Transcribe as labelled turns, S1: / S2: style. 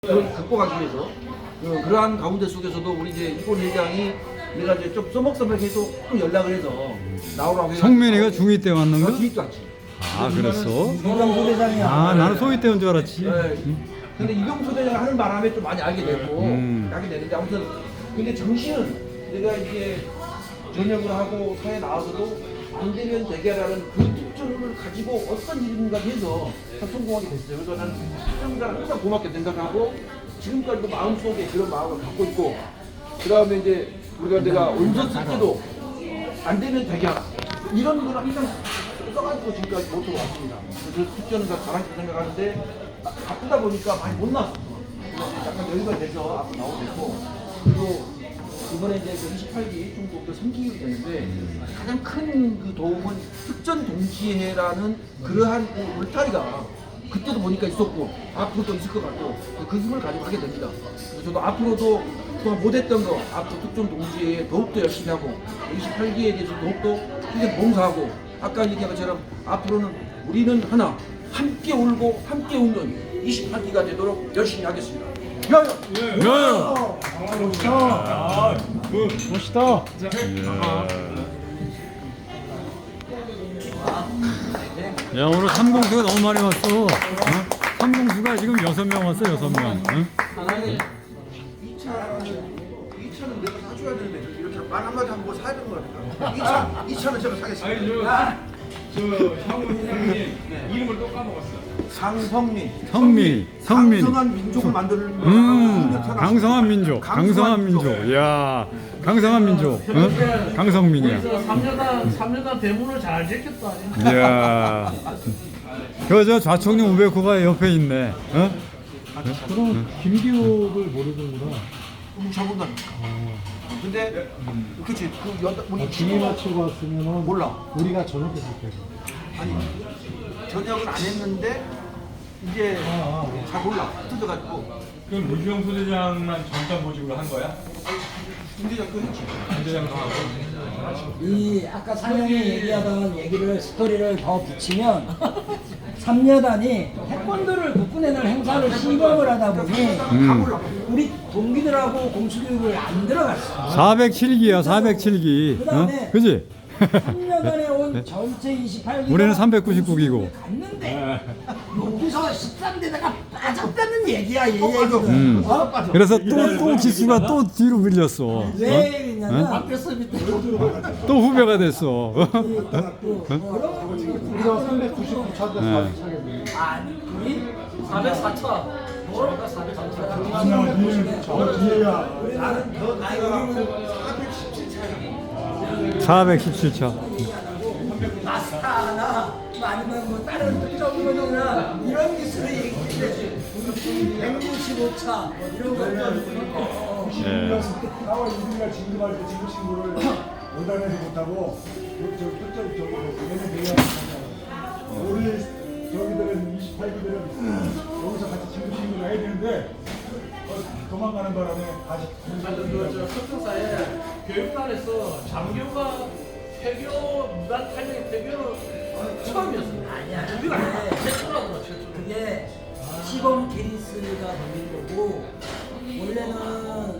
S1: 갖고 가기 위해서 그러한 가운데 속에서도 우리 이제 이권 회장이 내가 이제 좀 써먹써먹해서 좀 연락을 해서 나오라고 해서
S2: 성민이가 중2 때 왔는 거?
S1: 중2 때 왔지.
S2: 아 그랬어?
S3: 이병수 대장이야.
S2: 아 나는 소위 때인 줄 알았지.
S1: 근데 이병수 대장을 하는 바람에 좀 많이 알게 됐고 알게 됐는데 아무튼 근데 정신은 내가 이제 전역을 하고 사회 나와서도 안 되면 되게라는 그 특징을 가지고 어떤 일인가 해서 성공하게 됐어요. 그래서 나는 항상 고맙게 생각하고 지금까지도 마음속에 그런 마음을 갖고 있고 그 다음에 이제 우리가 내가 원서 쓸 때도 안 되면 되게 하라 이런 걸 항상 써가지고 지금까지 못하고 왔습니다. 그래서 특전은 다 잘하겠다 생각하는데 바쁘다 보니까 많이 못 나왔어. 약간 여유가 돼서 앞으로 나오고 있고 그리고 이번에 이제 28기 중국도 3기일이 되는데 가장 큰 그 도움은 특전 동지회라는 그러한 그 울타리가 그때도 보니까 있었고 앞으로도 있을 것 같고 그 힘을 가지고 하게 됩니다. 그래서 저도 앞으로도 그동안 못했던 거 앞으로 특전 동지회에 더욱더 열심히 하고 28기에 대해서 더욱더 크게 봉사하고 아까 얘기한 것처럼 앞으로는 우리는 하나 함께 울고 함께 웃는 28기가 되도록 열심히 하겠습니다. 야야!
S2: 멋있다. 야 오늘 삼공수가 너무 많이 왔어. 삼공수가 지금 6명 왔어 6명. 응?
S1: 2차는 내가 사줘야 되는데 이렇게 말 한마디 하면 뭐 사야 되는 거니까 2차는 제가 사겠습니다.
S4: 저 상무 회장님 이름을 또 까먹었어.
S1: 상성민
S2: 성민.
S1: 강성한 민족을 만드는
S2: 강성한 민족. 강성한 민족. 야 강성한 민족. 응? 강성민이야.
S3: 3년간 대문을 잘 지켰다.
S2: 이야. 그저 좌총령 우베코가 옆에 있네. 어?
S5: 그럼 김기옥을 모르는구나.
S1: 적은다니까. 근데 그치 그 우리
S5: 중위 맞추고 왔으면
S1: 몰라.
S5: 우리가 전역했을 때고.
S1: 아니 전역을 안 했는데 이제 잘 몰라 흩어져가지고
S4: 그럼 이병수 대장만 전담 보직으로 한 거야?
S1: 김대장 또 했지.
S4: 대장도 하고.
S3: 이 아까 상영이 얘기하던 얘기를 스토리를 더 붙이면 삼여단이 태권도를 국군에는 행사를 시범을 하다 보니 우리 동기들하고 공수교육을 안 들어갔어.
S2: 407기야 407기.
S3: 그다음에
S2: 어? 그지?
S3: 3년간에 온 전체 28기
S2: 우리는 399기고.
S3: 갔는데 여기서 13대대가 빠졌다는 얘기야 얘 얘기는.
S2: 그래서 또 기수가 또 뒤로 밀렸어.
S3: 왜 그러냐면 바뀌었어 밑에.
S2: 또 후배가 됐어.
S5: 우리가 399차인데 400차겠네.
S3: 아니 우리 404차. 뭐가 404차.
S5: 저 뒤에야.
S3: 나는 더 나이가
S2: 417차.
S3: 마스타나 아니면 뭐 다른 특정거나 이런 기술을 얘기했는데 165차 뭐 이런 거.
S2: 예.
S5: 4월 1일날 진급할 때 진급 신고를 오단에서 못하고 저 끝자리 저거 얘네 내야 우리 저기들은 28기들은 여기서 같이 진급 신고를 해야 되는데 도망가는 바람에 다시
S6: 저 석사사에 교육단에서 장교가 폐교 무단 탈영의 폐교는 처음이었습니다.
S3: 아니야.
S6: 우리가 최초라고 최초.
S3: 그게 시범 케이스가 걸린 거고 원래는